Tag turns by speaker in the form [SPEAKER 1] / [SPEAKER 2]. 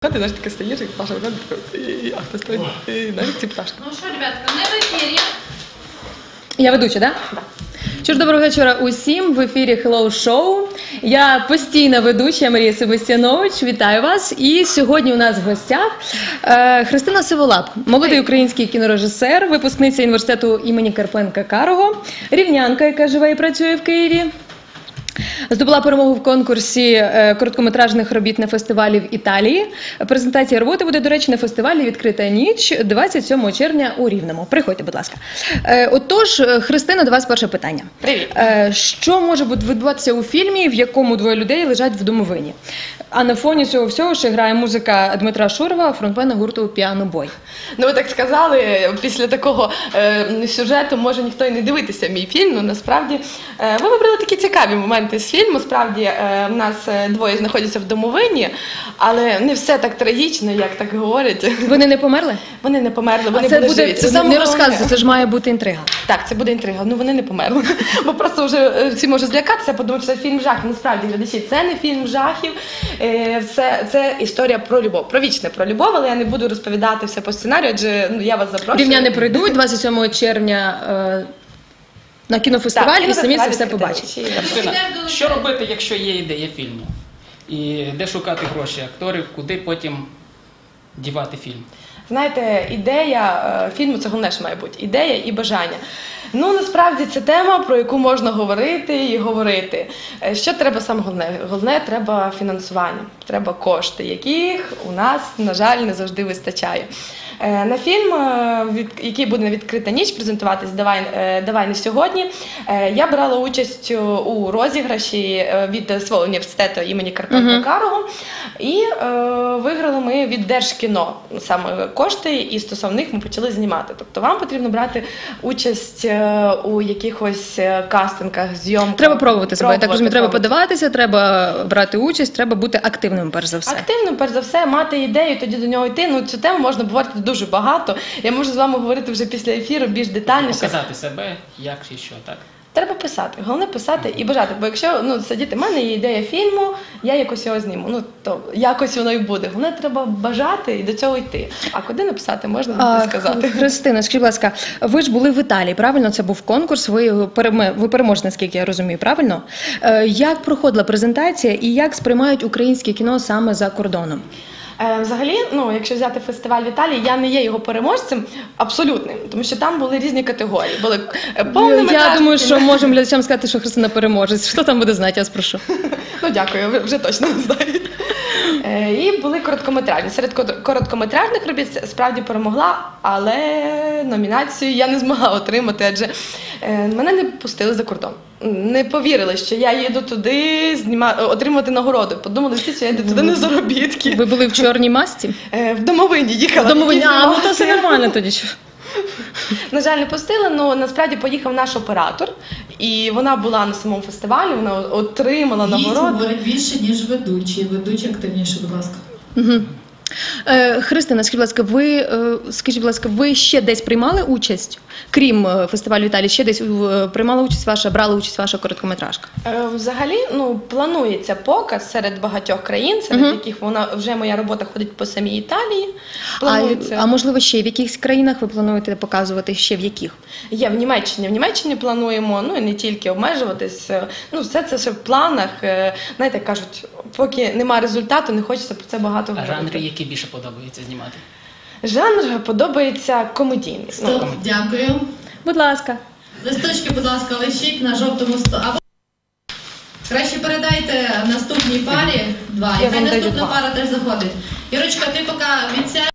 [SPEAKER 1] Ти знаєш, таке стоїш, як Паша виходить, а хтось стоїть, навіть ці пташки.
[SPEAKER 2] Ну що, ребятка, ми в ефірі.
[SPEAKER 3] Я ведуча, так? Да? Що ж, доброго вечора усім. В ефірі Hello Show. Я постійна ведуча Марія Себастьянович. Вітаю вас. І сьогодні у нас в гостях Христина Сиволап, молодий український кінорежисер, випускниця університету імені Карпенка-Карого, рівнянка, яка живе і працює в Києві. Здобула перемогу в конкурсі короткометражних робіт на фестивалі в Італії. Презентація роботи буде, до речі, на фестивалі «Відкрита ніч» 27 червня у Рівному. Приходьте, будь ласка. Отож, Христина, до вас перше питання.
[SPEAKER 1] Привіт.
[SPEAKER 3] Що може відбуватися у фільмі, в якому двоє людей лежать в домовині? А на фоні цього всього ще грає музика Дмитра Шурова, фронтмена гурту «Піано Бой».
[SPEAKER 1] Ну, ви так сказали, після такого сюжету може ніхто і не дивитися мій фільм, але насправді ви вибрали такі цікаві моменти з фільму. Справді, в нас двоє знаходяться в домовині, але не все так трагічно, як так говорять.
[SPEAKER 3] Вони не померли?
[SPEAKER 1] Вони не померли, вони
[SPEAKER 3] це
[SPEAKER 1] були
[SPEAKER 3] буде,
[SPEAKER 1] живі. Це
[SPEAKER 3] не
[SPEAKER 1] саме
[SPEAKER 3] розказуйте,
[SPEAKER 1] головне.
[SPEAKER 3] це ж має бути інтрига.
[SPEAKER 1] Так, це буде інтрига. Ну, вони не померли. Бо просто вже всі можуть злякатися, подумати, що це фільм жахів. Насправді, глядачі, це не фільм жахів. Це історія про любов. Про вічне про любов, але я не буду розповідати все по сценарію, адже я вас запрошую.
[SPEAKER 3] Рівняни прийдуть 27 червня на кінофестивалі і самі це все побачать.
[SPEAKER 4] Христина, що робити, якщо є ідея фільму? І де шукати гроші акторів, куди потім дівати фільм?
[SPEAKER 1] Знаєте, ідея фільму – це головне, що має бути. Ідея і бажання. Ну, насправді, це тема, про яку можна говорити і говорити. Що треба саме головне? Головне – треба фінансування, треба кошти, яких у нас, на жаль, не завжди вистачає. На фільм, який буде на «Відкрита ніч» презентуватись «Давай не сьогодні», я брала участь у розіграші від свого університету імені Карпенка-Карого. І виграли ми від Держкіно саме кошти, і стосовно них ми почали знімати. Тобто вам потрібно брати участь у якихось кастингах, зйомках.
[SPEAKER 3] Треба пробувати себе, так розумію, треба подаватися, треба брати участь, треба бути активним, перш за все.
[SPEAKER 1] Активним, перш за все, мати ідею, тоді до нього йти. Ну, цю тему можна говорити дуже багато. Я можу з вами говорити вже після ефіру більш детальніше.
[SPEAKER 4] Показати себе, як і що, так?
[SPEAKER 1] Треба писати. Головне писати і бажати. Бо якщо сидіти, в мене є ідея фільму, я якось його зніму. То якось воно і буде. Головне, треба бажати і до цього йти. А куди написати, можна не сказати.
[SPEAKER 3] Христина, скажіть, будь ласка, ви ж були в Італії, правильно? Це був конкурс, ви переможете, наскільки я розумію, правильно? Як проходила презентація і як сприймають українське кіно саме за кордоном?
[SPEAKER 1] Взагалі, якщо взяти фестиваль в Італії, я не є його переможцем абсолютним, тому що там були різні категорії. Були повнометражні.
[SPEAKER 3] Я думаю, що можемо глядачам сказати, що Христина переможець. Хто там буде знати, я вас прошу.
[SPEAKER 1] Ну, дякую, ви вже точно не знаєте. І були короткометражні. Серед короткометражних робіт справді перемогла, але номінацію я не змогла отримати, адже мене не пустили за кордон. Не повірили, що я їду туди отримувати нагороду. Подумали всі, що я йду туди на заробітки.
[SPEAKER 3] Ви були в чорній масці?
[SPEAKER 1] В домовині їхала.
[SPEAKER 3] В домовині, то все нормально тоді.
[SPEAKER 1] На жаль, не пустили, але насправді поїхав наш оператор, і вона була на самому фестивалі, вона отримала нагороду.
[SPEAKER 2] Їй говорить більше, ніж ведучі. Ведучі активніше, будь ласка.
[SPEAKER 3] Христина, скажіть, будь ласка, ви ще десь приймали участь, крім фестивалю в Італії, ще десь брала участь ваша короткометражка?
[SPEAKER 1] Взагалі, планується показ серед багатьох країн, серед яких моя робота ходить по самій Італії.
[SPEAKER 3] А можливо, ще в якихось країнах ви плануєте показувати, ще в яких?
[SPEAKER 1] Є в Німеччині. В Німеччині плануємо, і не тільки обмежуватись. Все це ще в планах. Знаєте, кажуть, поки немає результату, не хочеться про це багато говорити.
[SPEAKER 4] А жанри, які більше подобається знімати?
[SPEAKER 1] Жанр подобається комедійний.
[SPEAKER 2] Стоп, дякую.
[SPEAKER 3] Будь ласка.
[SPEAKER 2] Листочки, будь ласка, лишіть на жовтому столі. Краще передайте наступній парі два. І хай наступна пара теж заходить. Ірочка, ти поки відсядь.